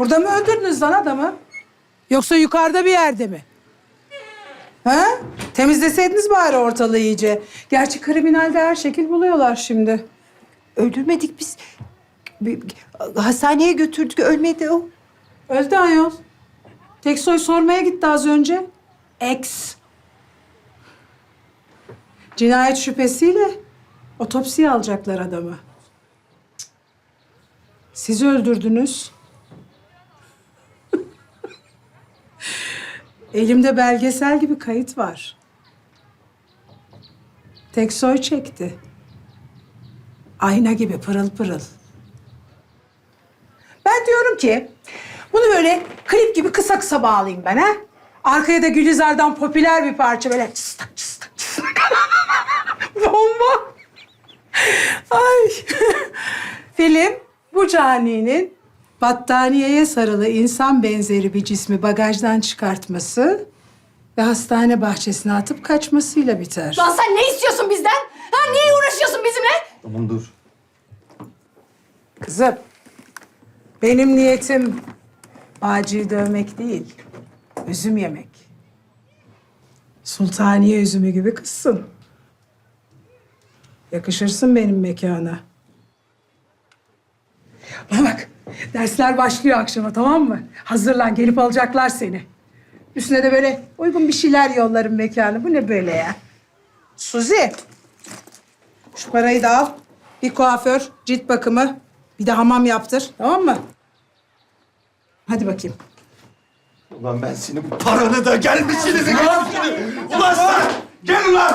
Burada mı öldürdünüz lan adamı? Yoksa yukarıda bir yerde mi? Ha? Temizleseydiniz bari ortalığı iyice. Gerçi kriminalde her şekil buluyorlar şimdi. Öldürmedik biz. Hastaneye götürdük, ölmedi o. Öldü ayol. Teksoy sormaya gitti az önce. Ex. Cinayet şüphesiyle otopsiye alacaklar adamı. Siz öldürdünüz. Elimde belgesel gibi kayıt var. Teksoy çekti. Ayna gibi pırıl pırıl. Ben diyorum ki bunu böyle klip gibi kısa kısa bağlayayım ben ha. Arkaya da Gülizar'dan popüler bir parça böyle çıstak çıstak çıstak. Bomba. Ay. Film bu caninin battaniyeye sarılı insan benzeri bir cismi bagajdan çıkartması ve hastane bahçesine atıp kaçmasıyla biter. Lan sen ne istiyorsun bizden? Ha niye uğraşıyorsun bizimle? Tamam dur. Kızım, benim niyetim Bağcı'yı dövmek değil, üzüm yemek. Sultaniye üzümü gibi kızsın. Yakışırsın benim mekana. Bana bak, dersler başlıyor akşama, tamam mı? Hazırlan, gelip alacaklar seni. Üstüne de böyle uygun bir şeyler yollarım mekana. Bu ne böyle ya? Suzi, şu parayı da al. Bir kuaför, cilt bakımı, bir de hamam yaptır, tamam mı? Hadi bakayım. Ulan ben senin bu paranı da gelmişsiniz. Ulan sen! Gel ulan!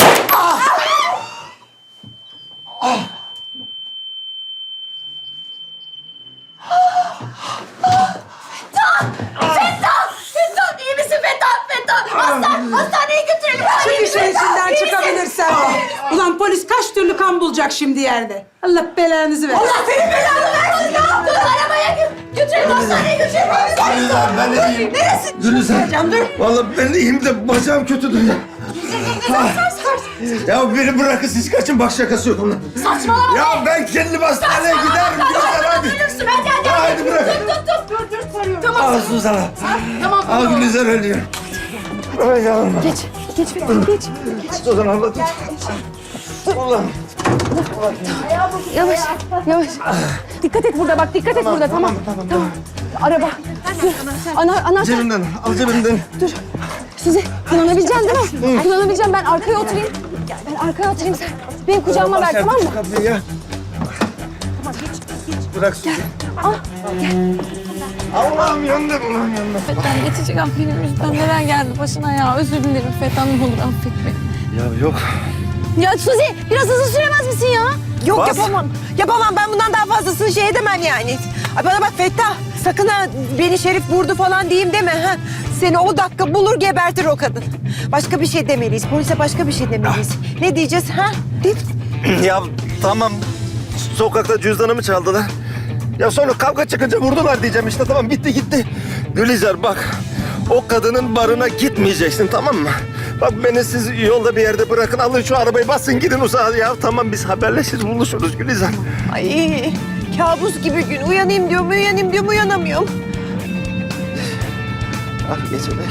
Fettah iyi misin Fettah? Hastaneye götürelim. Çık işin içinden çıkabilirsen. Ulan polis kaç türlü kan bulacak şimdi yerde. Allah belanızı versin. Allah senin belanı versin ya. Dur arabaya götürelim hastaneye götürelim. Gülizar ben de iyiyim. Neresi? Gülizar. Vallahi ben de iyiyim de bacağım kötüdür ya. Ya beni bırakın siz kaçın bak şakası yok onun. Saçmalama Ya be. ben kendim hastaneye giderim Gülizar hadi. Ölürsün hadi. Hadi bırak. Dur sarıyorum. Tamam. Al Suzan'a. Tamam. Al Gülizar ölüyor. Ay yavrum. Geç Fettah, geç. Suzan abla tut. Ulan. Yavaş, yavaş. Dikkat et burada bak, dikkat et burada. Tamam. Araba. Dur. Anahtar. Cebimden al cebimden. Dur. Sizi kullanabileceksin değil mi? Kullanabileceğim. Ben arkaya oturayım. Ben arkaya oturayım sen. Benim kucağıma ver, tamam mı? Kapıyı ya. Bırak Suzan. Al. Allah'ım yandım ulan yandım. Fettah geçecek benim yüzümden neler geldi başına ya. Özür dilerim Fettah, ne olur affet beni. Ya yok. Ya Suzi, biraz hızlı süremez misin ya? Yok Bas. yapamam. Yapamam ben bundan daha fazlasını şey edemem yani. Ay bana bak Fettah sakın ha beni Şerif vurdu falan diyeyim deme ha. Seni o dakika bulur gebertir o kadın. Başka bir şey demeliyiz. Polise başka bir şey demeliyiz. Ne diyeceğiz ha? Ya tamam. Sokakta cüzdanımı çaldılar. Ya sonra kavga çıkınca vurdular diyeceğim işte tamam bitti gitti. Gülizar bak o kadının barına gitmeyeceksin tamam mı? Bak beni siz yolda bir yerde bırakın alın şu arabayı basın gidin uzağa ya. Tamam biz haberleşiriz buluşuruz Gülizar. Ay kabus gibi gün. Uyanayım diyorum uyanamıyorum. Ah geçecek.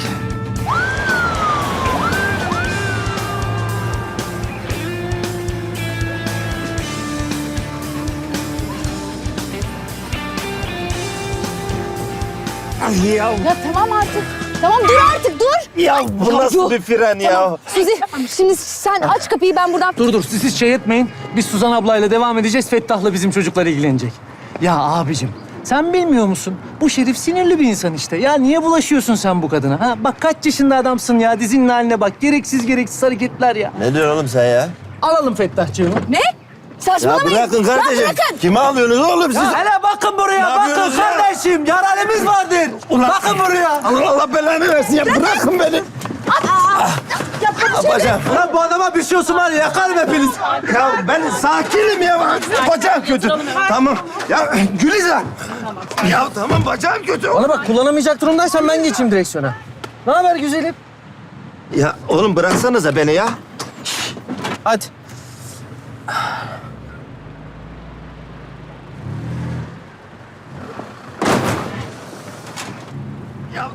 Ay ya. Ya tamam artık. Tamam dur artık, dur. Ya bu nasıl yok. bir fren ya? Suzi, şimdi sen aç kapıyı, ben buradan... Dur siz şey etmeyin. Biz Suzan ablayla devam edeceğiz. Fettah'la bizim çocuklar ilgilenecek. Ya abicim sen bilmiyor musun? Bu Şerif sinirli bir insan işte. Ya niye bulaşıyorsun sen bu kadına? Ha? Bak kaç yaşında adamsın ya. Dizinin haline bak. Gereksiz hareketler ya. Ne diyorsun oğlum sen ya? Alalım Fettah'cığımı. Ne? Ya Saçmalamayın. bırakın kardeşim. bırakın. Kime alıyorsunuz oğlum siz? Ya hele bakın buraya. Ne Bakın yapıyorsunuz ya? kardeşim. Yaralımız vardır. Bakın buraya. Allah belanı versin ya bırakın beni. Bacağım. Ulan bu adama bir şey olsun var ya. Yakarım hepiniz. Ya ben sakinim ya. Bacağım kötü. Tamam. Ya Gülizar. Ya tamam bacağım kötü. Bana bak kullanamayacak durumdaysan ben geçeyim direksiyona. Ne haber güzelim? Ya oğlum bıraksanıza beni ya. Hadi.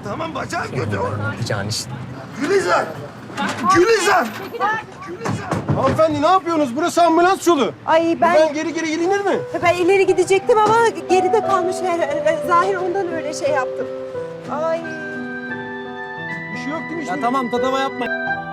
tamam bacağım kötü. Yapacağın işte. Gülizar! Gülizar! Hanımefendi ne yapıyorsunuz? Burası ambulans yolu. Ay Ben geri gidilir mi? ben ileri gidecektim ama geride kalmış. Zahir ondan öyle şey yaptım. Ay. Bir şey yok değil mi? Ya tamam tatava yapma.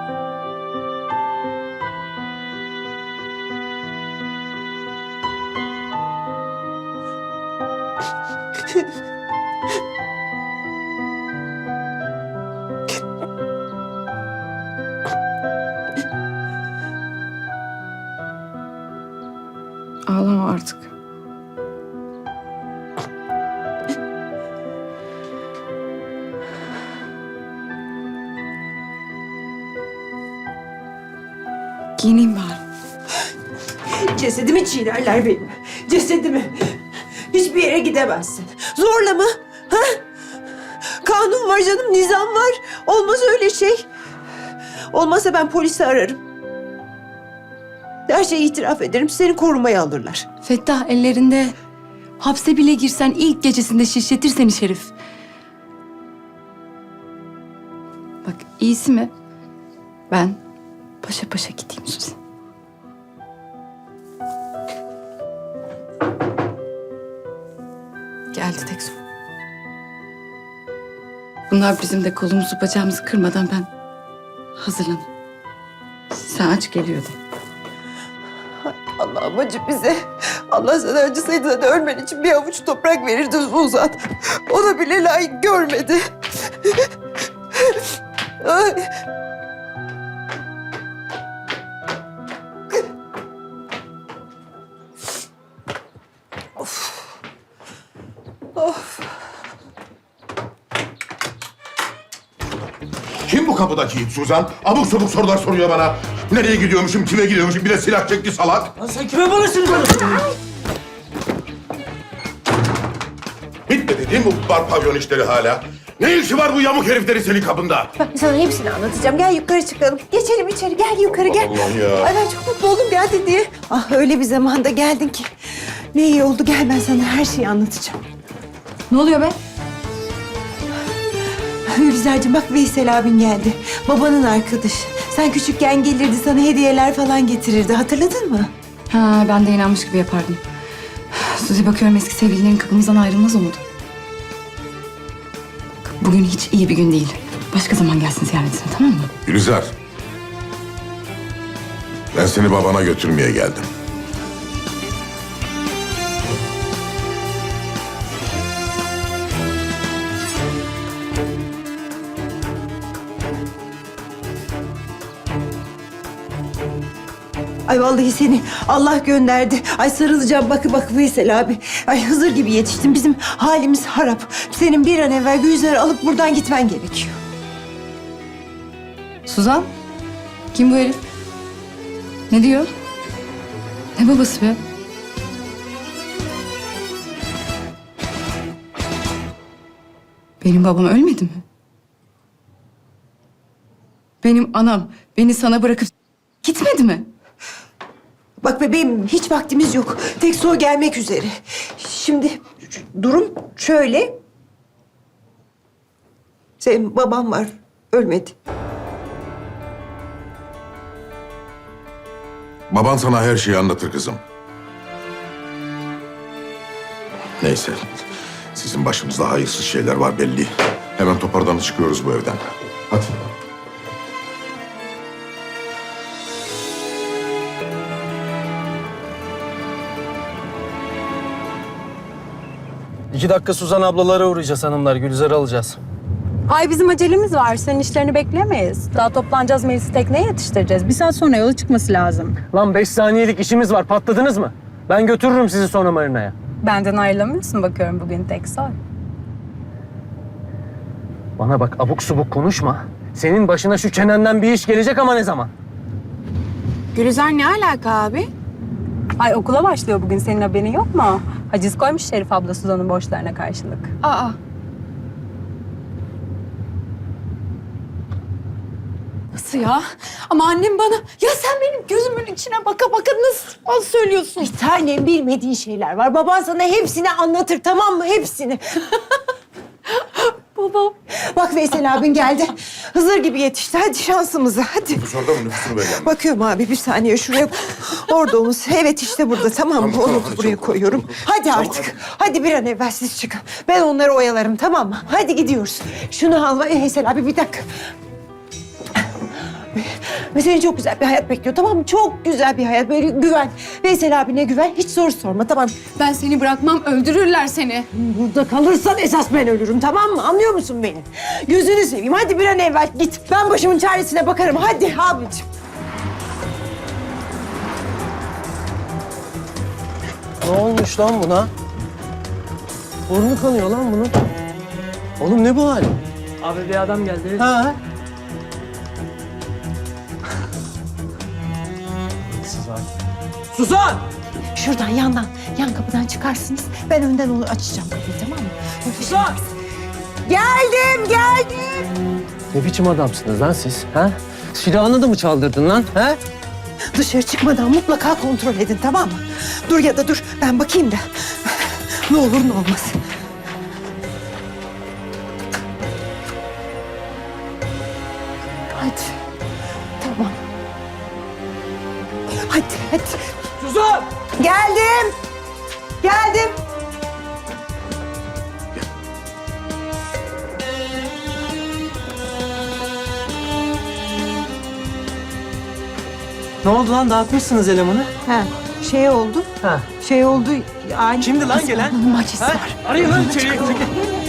Ağlama artık. Giyineyim bari. Cesedimi çiğnerler benim. Cesedimi. Hiçbir yere gidemezsin. Zorla mı? Ha? Kanun var canım, nizam var. Olmaz öyle şey. Olmazsa ben polisi ararım. Her şeyi itiraf ederim. Seni korumaya alırlar. Fettah ellerinde. Hapse bile girsen ilk gecesinde şişletir seni Şerif. Bak iyisi mi? Ben paşa paşa gideyim Suzi. Geldi tek son. Bunlar bizim de kolumuzu bacağımızı kırmadan ben hazırlanayım. Sen aç geliyordu. Allah'ım acı bize. Allah sana acısaydı da ölmen için bir avuç toprak verirdi Suzan. O da bile layık görmedi. Ay. Kim bu kapıdaki it Suzan? Abuk sabuk sorular soruyor bana. Nereye gidiyormuşum, kime gidiyormuşum? Bir de silah çekti salak. Lan sen kime barışın konuşuyorsun? Bitmedi değil mi bu bar pavyon işleri hala? Ne işi var bu yamuk heriflerin senin kapında? Bak sana hepsini anlatacağım. Gel yukarı çıkalım. Geçelim içeri. Gel yukarı gel. Allah'ım ya. Ay ben çok mutlu oldum geldin diye. Ah öyle bir zamanda geldin ki. Ne iyi oldu. Gel ben sana her şeyi anlatacağım. Ne oluyor be? Gülizar'cığım bak Veysel abin geldi. Babanın arkadaşı. Sen küçükken gelirdi sana hediyeler falan getirirdi. Hatırladın mı? Ha ben de inanmış gibi yapardım. Suzi bakıyorum eski sevgililerin kapımızdan ayrılmaz umudu. Bak, bugün hiç iyi bir gün değil. Başka zaman gelsin ziyaretine tamam mı? Gülizar. Ben seni babana götürmeye geldim. Ay vallahi seni Allah gönderdi. Ay sarılacağım bak Veysel abi. Ay Hızır gibi yetiştin. Bizim halimiz harap. Senin bir an evvel Gülizar'ı alıp buradan gitmen gerekiyor. Suzan? Kim bu herif? Ne diyor? Ne babası be? Benim babam ölmedi mi? Benim anam beni sana bırakıp gitmedi mi? Bak bebeğim hiç vaktimiz yok. Tek su gelmek üzere. Şimdi durum şöyle. Senin baban var. Ölmedi. Baban sana her şeyi anlatır kızım. Neyse. Sizin başınızda hayırsız şeyler var belli. Hemen toparlanıp çıkıyoruz bu evden. Hadi. 2 dakika Suzan ablalara uğrayacağız hanımlar. Gülizar'ı alacağız. Ay bizim acelemiz var. Senin işlerini beklemeyiz. Daha toplanacağız, Melis'i tekneye yetiştireceğiz. Bir saat sonra yola çıkması lazım. Lan 5 saniyelik işimiz var. Patladınız mı? Ben götürürüm sizi sonra marinaya. Benden ayrılamıyorsun bakıyorum bugün tek soy. Bana bak abuk subuk konuşma. Senin başına şu çenenden bir iş gelecek ama ne zaman? Gülizar ne alaka abi? Ay okula başlıyor bugün. Senin haberin yok mu? Haciz koymuş Şerif abla Suzan'ın borçlarına karşılık. Aa. Nasıl ya? Ama annem bana... Ya sen benim gözümün içine baka baka nasıl söylüyorsun? Bir tanem bilmediğin şeyler var. Baban sana hepsini anlatır tamam mı? Hepsini. babam. Bak Veysel abin geldi. Hızır gibi yetişti. Hadi şansımıza hadi. Dışarıda mı nüfusunu belirlemiş? Bakıyorum abi bir saniye şuraya. Orada omuz. Evet işte burada tamam mı? Tamam, Onu hadi buraya çabuk, koyuyorum. çabuk. Hadi Tamam, artık. Hadi bir an evvel siz çıkın. Ben onları oyalarım tamam mı? Hadi gidiyoruz. Şunu al Veysel abi bir dakika. Ve seni çok güzel bir hayat bekliyor tamam mı? Çok güzel bir hayat. Böyle güven. Veysel abine güven. Hiç soru sorma tamam mı? Ben seni bırakmam, öldürürler seni. Burada kalırsan esas ben ölürüm tamam mı? Anlıyor musun beni? Gözünü seveyim. Hadi bir an evvel git. Ben başımın çaresine bakarım. Hadi abicim. Ne olmuş lan buna? Burnu kanıyor lan bunun. Oğlum ne bu hal? Abi bir adam geldi. Ha? Suzan! Şuradan yandan, yan kapıdan çıkarsınız. Ben önden onu açacağım kapıyı tamam mı? Suzan! Geldim. Ne biçim adamsınız lan siz? Ha? Silahını da mı çaldırdın lan? Ha? Dışarı çıkmadan mutlaka kontrol edin tamam mı? Dur ya da dur ben bakayım da. Ne olur ne olmaz. Hadi. Tamam. Hadi. Suzan! Geldim. Geldim. Ne oldu lan? Dağıtmışsınız elemanı. Ha, şey oldu. Ha. Şey oldu. Ani. Kimdi lan gelen? Macisi Ha? var. Arayın lan içeriye.